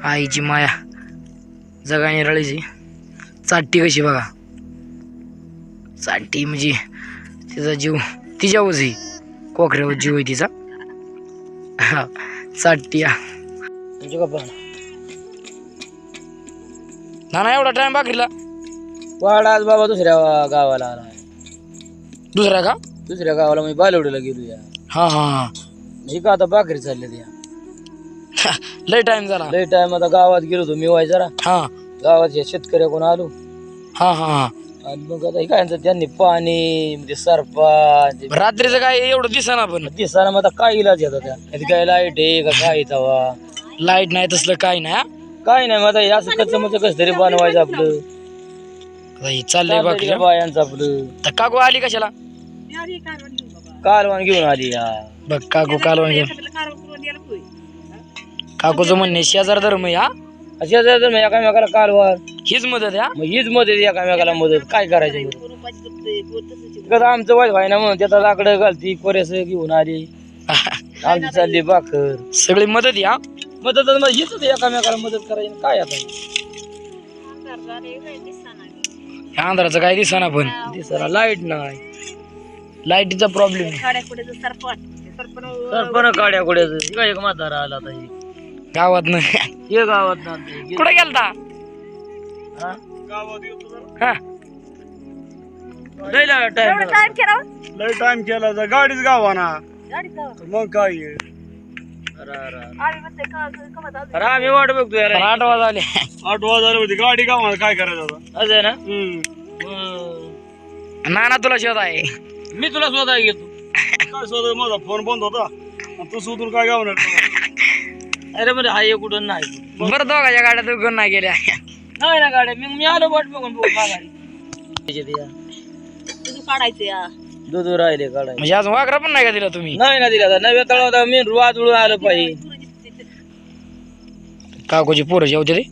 आईची माया जगाने रळीची चाटती कशी बघा. चाटती म्हणजे तिचा जीव तिच्यावरच आहे, कोकऱ्यावर जीव आहे तिचा. चाटती ना एवढा टाइम बाकरीला वाडा आज बाबा दुसऱ्या गावाला आला. दुसरा का? दुसऱ्या गावाला मी बालवडीला गेलो या. हा हा हा. मी का आता बाकरी चालले त्या लय टाइम झाला. लय टाइम आता गावात गेलो होतो मी वाय जरा. हा गावात शेतकऱ्याकडून आलो. हा हा हा. आणि मग आता काय त्यांनी पाणी म्हणजे सरपंच रात्रीचं काय एवढं दिसना पण दिसाना मग आता काय इलाज येतात त्या काय लाईट आहे का काय तवा लाईट नाही तसलं काय नाही. काय नाही मग आता हे असं कच्चं मग कसं तरी बनवायचं आपलं. चाललंय बाकी बायांचं आपलं. तर काकू आली कशाला? कालवान घेऊन आली या. बघ काकू कालवण घेऊन. काकूचं म्हणणे शेजार धर्म या अशा जर एकामेकाला कालवान हीच मदत या. मग हीच मदत एकामेकाला मदत काय करायचं कसं आमचं वाईट व्हाय ना म्हणून त्याचा लाकडं घालती कोऱ्यास घेऊन आली. आमची चालली भाकर सगळी मदत या. मदत मग हीच एकामेकाला मदत करायची काय आता. ह्या अंधाराचं काय दिसना पण दिसायला लाईट नाही. लाईटीचा प्रॉब्लेम सरपण काड्या कुड्याच काय एक म्हातारा आला आता हे गावात नाही. हे गावात ना कुठे गेलता? हा लय टाइम केला तर गाडीच गावाना मग काय आहे? अरे आम्ही वाट बघतो यार. 8 वाजले. 8 वाजले होती गाडी गावाना काय करायचं आता? असं आहे ना. नाना तुला शोध आहे. मी तुला स्वतः घेतो. काय शोध माझा फोन बंद होता आणि तू शोधून काय गावणार? अरे म्हणजे हा एक कुठं नाही. बरं दोघाच्या गाड्या दुकान नाही गेल्या. नाही ना गाड्या मी आलो वाट बघून माघारी. दूध राहिले काढाय म्हणजे अजून वाकरा पण नाही का दिला तुम्ही? नाही ना दिला नव्या तळावर मी रुवात उडून आलं पाहिजे. काकूची पोरं जेवते रे.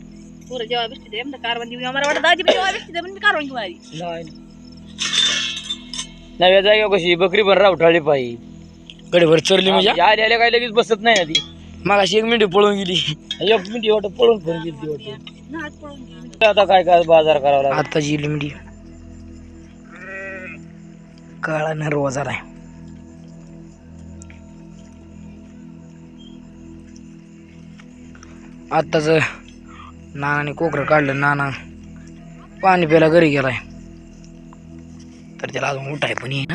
नव्या जागेवर कशी बकरी पण रावठाळली पाहिजे. गडीभर चरली म्हणजे आले आले काही लगेच बसत नाही ना ती. मग अशी 1 मिनिट पळून गेली. 1 मिनिट वाटत पळून फोन गेली वाटत. आता काय काय बाजार करावा लागला. आता जी लिमडी काळा नरवा झालाय. आताच नानाने कोकरं काढलं. नाना पाणी प्यायला घरी गेलाय. तर त्याला अजून उठाय पण आहे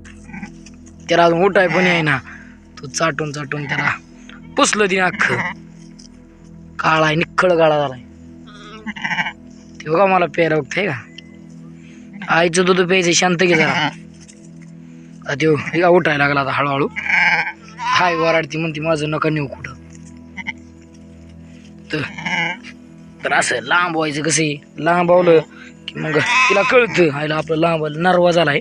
ना. तो चाटून चाटून त्याला पुसलं तिने अख्खं. काळा आहे निखळ काळा झालाय. ते बघा मला प्यायला बघताय का. आईचं दूध प्यायचं शांत घे जरा. त्यो का उठायला लागला आता हळूहळू. हाय वराडती म्हणते माझं नका नेऊ कुठं. तर असं लांब व्हायचं कसं लांबवलं की मग तिला कळतं आईला आपलं लांब नरवा झालाय.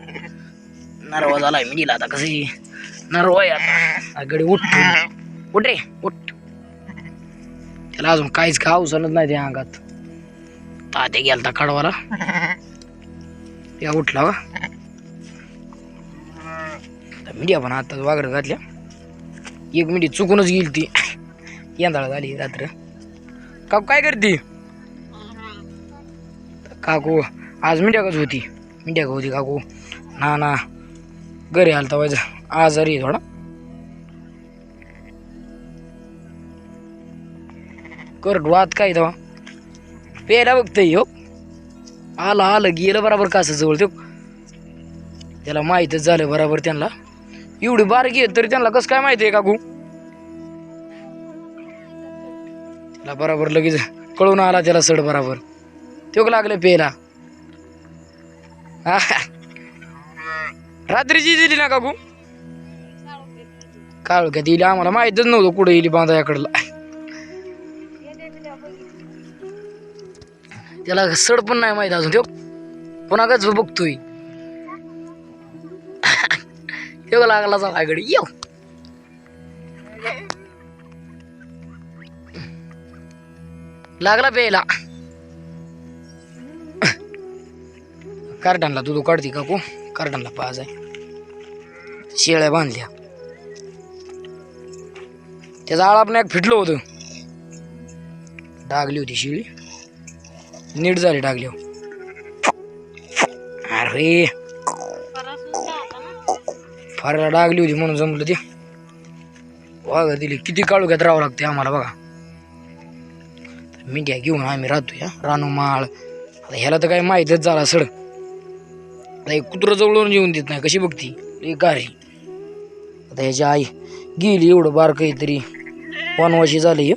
मी दिला आता कसं नरवा आहे आता. गडी उठ रे उठ. त्याला अजून काहीच का अवसरच नाही त्या अंगात. तात्या गेलता कडवाला त्या उठला वा. मीडिया पण आता वागड घातल्या. 1 मिनिट चुकूनच गेली ती. यंदाळा झाली रात्र. काकू काय करते? काकू आज मिंड्याकच होती. काकू ना घरी आलता व्हायचं आजारी थोडा. कर वाद काय तेव्हा प्यायला बघतय हो. आलं गेलं बराबर कास जवळ तो. त्याला माहीतच झालं बराबर. त्यांना एवढी बारकी आहे तरी त्यांना कसं काय माहिती आहे काकू? त्याला बराबर लगेच कळून आला त्याला सड बराबर. तो लागलं प्यायला. रात्रीची दिली ना काकू? काळ का दिली आम्हाला माहितच नव्हतं कुठे येईल बांधायाकडला. त्याला सड पण नाही माहित अजून. तो कोणाकच बघतोय. तेव्हा लागला जा आगडी येऊ. लागला प्यायला. कार्टनला दूध काढते काकू. कार्टनला पाज आहे. शेळ्या बांधल्या. त्याचा आळा पण एक फिटलं होतं. डागली होती शिळी, नीट झाली डागली. अरे फारला डागली होती म्हणून जमलं ते. वाघ दिली किती काळोख्यात राहावं लागते आम्हाला बघा. मी घ्या घेऊन आम्ही राहतो या रानू माळ. आता ह्याला तर काही माहीतच झाला सड. आता एक कुत्रं जवळून येऊन देत नाही, कशी बघती एक गारी. आता ह्याची आई गेली, एवढं बारक तरी वनवाशी झाली.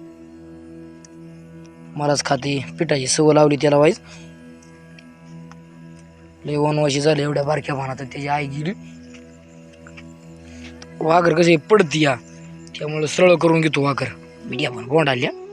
मलाच खाते, पिठाची सवय लावली त्याला वाईज. लय वनवाशी झाले एवढ्या बारक्या पानात. त्याची आई गेली. वाघर कसे पडती या, त्यामुळे सरळ करून घेतो वाघर. मी घ्या पण गोंडाल्या.